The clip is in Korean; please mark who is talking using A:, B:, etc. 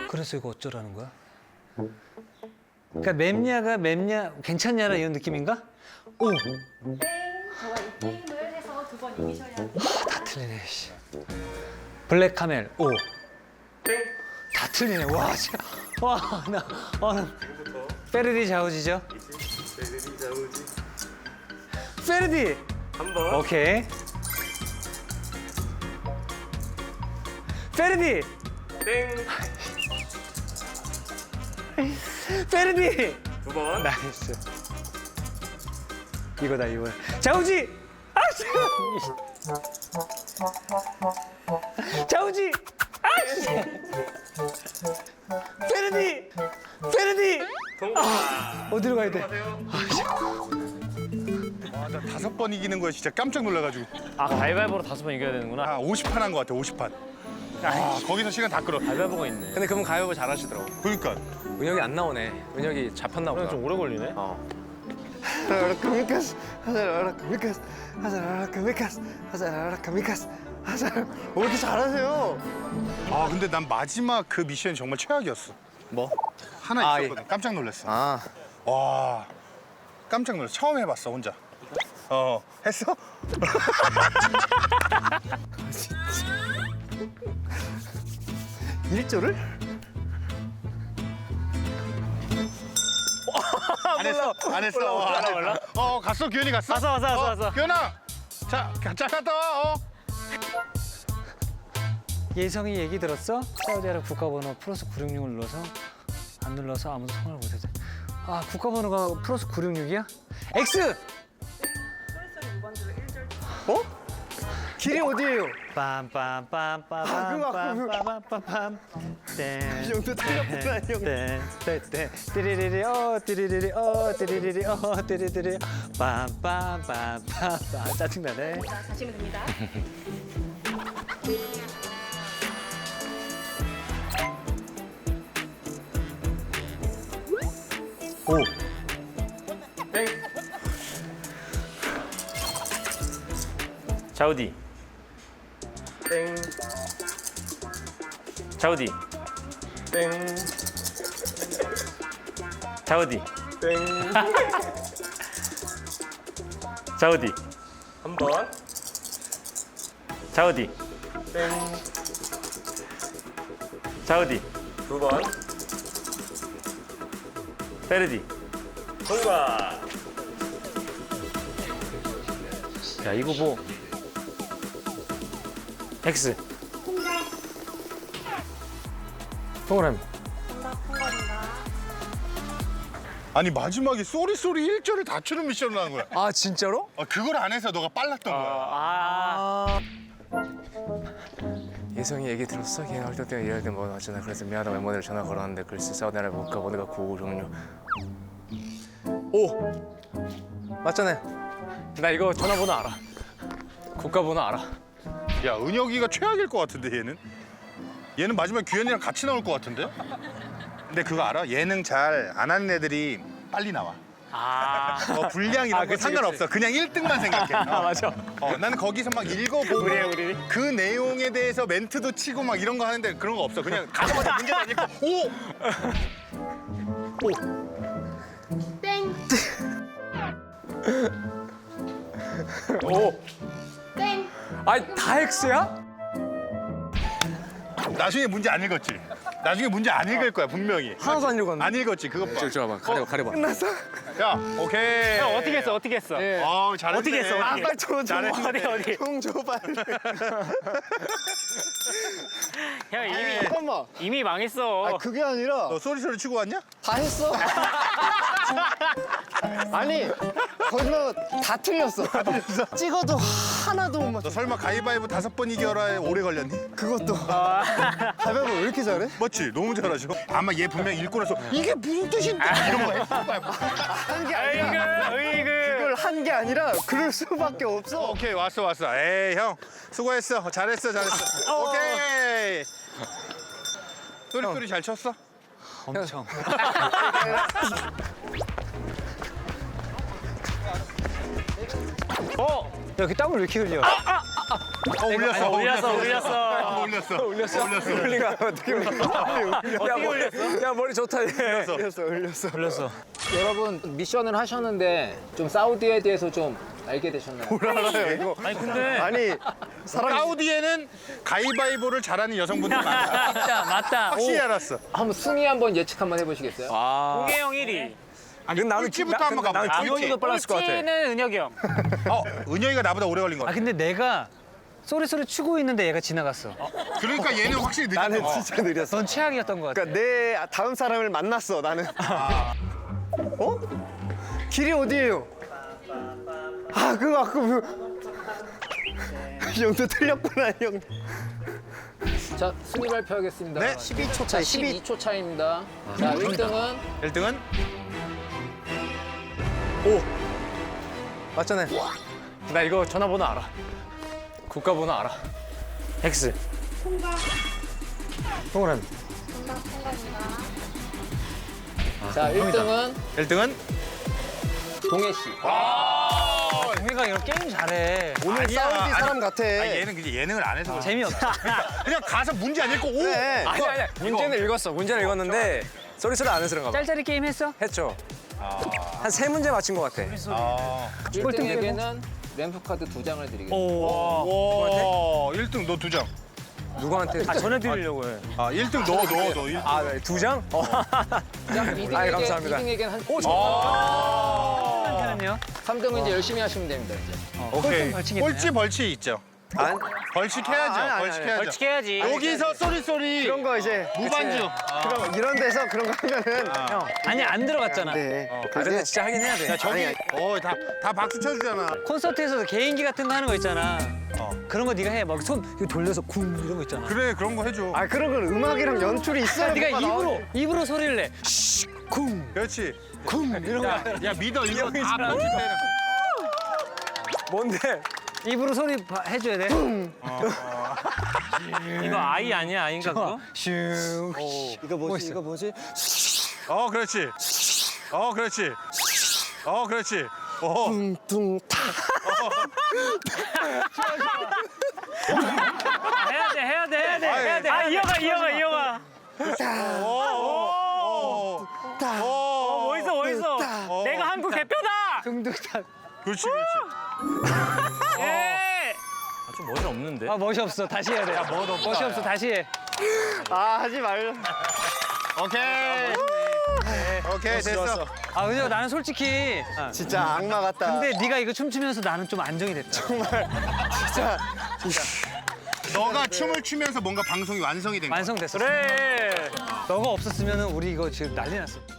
A: 그래서 이거 어쩌라는 거야? 그러니까 맵냐 괜찮냐라 이런 느낌인가? 오!
B: 땡. 저와 이 게임을 해서 2번 이기셔야 합니다.
A: 다 틀리네. 씨. 블랙 카멜 오.
C: 땡.
A: 다 틀리네. 와, 진짜. 와, 나
C: 지금부터
A: 페르디 자우지죠?
C: 베르디 자우지.
A: 페르디.
C: 한 번.
A: 오케이. 페르디.
C: 땡.
A: 페르디.
C: 두 번.
A: 나이스. 이거다 이거. 자우지. 아씨. 자우지. 아씨. 페르디. 페르디.
C: 통과.
A: 어디로 가야 돼?
C: 하세요.
D: 아, 나 5번 이기는 거에 진짜 깜짝 놀라가지고.
E: 아 가위바위보로 5번 이겨야 되는구나.
D: 아, 50판 한 거 같아, 50판. 아, 거기서 시간 다 끌어.
E: 가위바위보가 있네.
F: 근데 그분 가위바위보 잘하시더라고.
D: 그러니까.
F: 은혁이 안 나오네. 은혁이 잡혔나 보다.
E: 그냥 좀 오래 걸리네.
F: 하자라카미카스 하자라카미카스 하자라카미카스 하자라카미카스 하자라. 왜 이렇게 잘하세요?
D: 아, 근데 난 마지막 그 미션이 정말 최악이었어.
F: 뭐?
D: 하나
F: 아,
D: 있었거든. 깜짝 놀랐어.
F: 아
D: 와, 깜짝 놀랐어. 처음 해봤어, 혼자. 했어?
F: 일조를?
D: 안 했어? 안 했어? 안 했어. 갔어, 규현이 갔어?
E: 왔어.
D: 규현아! 자, 잘 갔다 와,
A: 예성이 얘기 들었어? 사우디아라비아 국가번호 플러스 966을 눌러서 안 눌러서 아무도 통화를 못해도 돼. 아 국가번호가 플러스 966이야? X!
F: 어? 길이 어디예요?
A: 빰빰빰빰빰빰빰빰빰
F: 이 정도 틀렸구나, 형.
A: 땡땡땡 띠리리리 띠리리리 띠리리리 띠리리리 빰빰빰빰빰 짜증나네.
B: 자, 가시면 됩니다.
A: 오.
C: 땡.
E: 자우디.
C: 땡.
E: 자우디.
C: 땡.
E: 자우디.
C: 땡.
E: 자우디.
C: 한 번.
E: 자우디.
C: 땡.
E: 자우디.
C: 두 번.
E: 페르디.
C: 통과.
E: 야 이거 뭐? X. 동그라미.
B: 정답 통과입니다.
D: 아니, 마지막에 쏘리 1절을 다 추는 미션을 하는 거야.
F: 아 진짜로?
D: 그걸 안 해서 너가 빨랐던 거야.
E: 아.
F: 예성이 얘기 들었어? 걔 활동 때문에 일할 때 뭐 하잖아. 그래서 미안하다고 멤버들 전화 걸었는데 글쎄 사우디아라비아 국가번호가 956. 오! 맞잖아. 나 이거 전화번호 알아. 국가번호 알아.
D: 야, 은혁이가 최악일 것 같은데, 얘는 마지막에 규현이랑 같이 나올 것 같은데? 근데 그거 알아? 예능 잘 안 하는 애들이 빨리 나와. 분량 이런 거
F: 그치,
D: 상관없어. 그냥 1등만 생각해.
F: 맞아.
D: 나는 거기서 막 읽어보고
E: 우리.
D: 그 내용에 대해서 멘트도 치고 막 이런 거 하는데 그런 거 없어. 그냥 가자마자 문제 안 읽고 오!
B: 땡.
F: 오!
B: 땡.
F: 아니 다 X야?
D: 나중에 문제 안 읽었지? 나중에 문제 안 읽을 거야, 분명히.
F: 하나도 안 읽었는데.
D: 안 읽었지, 그거 봐.
F: 저거 봐봐. 가려봐. 끝났어?
D: 야, 오케이.
E: 형 어떻게 했어? 어떻게 했어?
F: 예.
D: 잘했네.
E: 어떻게 했어? 어떻게
F: 빨리 줘.
D: 잘했네.
E: 어디?
F: 형 줘 빨리.
E: 형 이미
F: 잠깐만.
E: 이미 망했어.
F: 그게 아니라
D: 너 소리 치고 왔냐?
F: 다 했어. 아니 거기서 다 틀렸어. 찍어도 하나도 못 맞.
D: 너 설마 가위바위보 5번 이겨라에 오래 걸렸니?
F: 그것도. 가위바위보 왜 이렇게 잘해?
D: 맞지? 너무 잘하죠? 아마 얘 분명 읽고 나서 이게 무슨 뜻인데? 이런 거 했을 거야.
F: 한 게 아니라 그걸 한 게 아니라 그럴 수밖에 없어.
D: 오케이, 왔어. 에이, 형. 수고했어. 잘했어. 오케이. 소리 잘 쳤어?
A: 엄청. 야, 그 땀을 왜 이렇게 흘려?
D: 올렸어.
E: 올렸어.
D: 올렸어.
F: 울리가 어떻게 올렸어? 야 머리 좋다.
A: 올렸어.
G: 여러분 미션을 하셨는데 좀 사우디에 대해서 좀 알게 되셨나요?
F: 알아요 이거.
E: 아니 근데
F: 아니
D: 사우디에는 가위바위보를 잘하는 여성분들 많아.
E: 맞다 맞다.
D: 확실히 알았어.
G: 한번 순위 한번 예측 한번 해보시겠어요?
E: 공개형 1위.
D: 아니 꼴찌부터 한번 가보자. 꼴찌.
F: 기본이가 빨랐을 것 같아.
E: 꼴찌는 은혁이 형.
D: 은영이가 나보다 오래 걸린 거
A: 아
D: 같아.
A: 근데 내가 쏘리쏘리 추고 있는데 얘가 지나갔어.
D: 그러니까 얘는 확실히 늦었어.
F: 나는 진짜 느렸어.
A: 넌 최악이었던 것 같아.
F: 그러니까 내 다음 사람을 만났어 나는. 어? 길이 어디예요? 아 그거 아까 형도 틀렸구나 형.
G: 자 순위 발표하겠습니다.
D: 네.
F: 12초
G: 자
F: 차이.
G: 12초 차이입니다. 자 1등은
D: 1등은
F: 맞잖아요. 나 이거 전화번호 알아. 국가번호 알아.
A: X. 동그란.
G: 자 1등은
D: 1등은
G: 동해 씨.
A: 동해가 이런 게임 잘해.
F: 오늘
D: 아니야,
F: 사우디
D: 아니,
F: 사람 같아.
D: 얘는 그냥 예능을 안 해서 그래.
A: 재미없다.
D: 그냥 가서 문제 안 읽고 오.
F: 네. 아니 문제는 읽었어. 문제는 읽었는데 쏘리쏘리 안 해서 그런가 봐.
A: 짤짤이 게임 했어?
F: 했죠. 한 3문제 맞힌 것 같아.
G: 1등에게는 램프 카드 2장을 드리겠습니다.
D: 오. 1등 너 2장.
F: 누구한테?
A: 아 전해드리려고 해.
D: 아 1등 너 1등.
F: 아, 네, 2장?
G: 자 2등에게,
F: 아이, 감사합니다.
G: 2등에게는 한
A: 한테는요?
G: 3등은 이제 열심히 하시면 됩니다. 이제.
D: 오케이.
A: 벌칙이네.
D: 꼴찌 벌칙 있죠.
F: 안?
D: 벌칙해야죠.
F: 아니,
D: 벌칙해야죠.
E: 벌칙해야지.
D: 여기서 쏘리
F: 그런 거 이제
D: 무반주.
F: 그럼 이런 데서 그런 거 하면은
A: 아니 안 들어갔잖아.
F: 네. 아, 근데 진짜 하긴 해야 돼.
D: 저기
F: 아니,
D: 다 박수 쳐주잖아.
A: 콘서트에서도 개인기 같은 거 하는 거 있잖아. 그런 거 네가 해. 막 손 이거 돌려서 쿵 이런 거 있잖아.
D: 그래 그런 거 해줘.
F: 아 그런 건 음악이랑 연출이 있어야
A: 네가
F: 뭐가 나오지.
A: 입으로 소리를 내. 쿵
D: 그렇지.
A: 쿵 이런 거.
D: 야 믿어 이거 다 편집되는.
F: 뭔데?
A: 입으로 소리 해줘야 돼.
E: 이거 아이 아니야 아인가 그거?
A: 슝.
F: 이거 뭐지? 이거 뭐지?
D: 그렇지. 그렇지. 그렇지.
F: 둥둥
E: 해야 돼. 아 이어가. 멋있어. 내가 한국 대표다.
A: 둥둥탁.
D: 그렇지.
E: 예. 좀 멋이 없는데.
A: 아 멋이 없어. 다시 해야 돼. 멋이 없어. 다시 해.
F: 아 하지 말려.
D: 오케이 됐어.
A: 아 근데 나는 솔직히
F: 진짜 악마 같다.
A: 근데 네가 이거 춤추면서 나는 좀 안정이 됐다.
F: 진짜
D: 너가 춤을 추면서 뭔가 방송이 완성이 된 거야.
A: 완성됐어.
E: 그래.
A: 너가 없었으면 우리 이거 지금 난리 났어.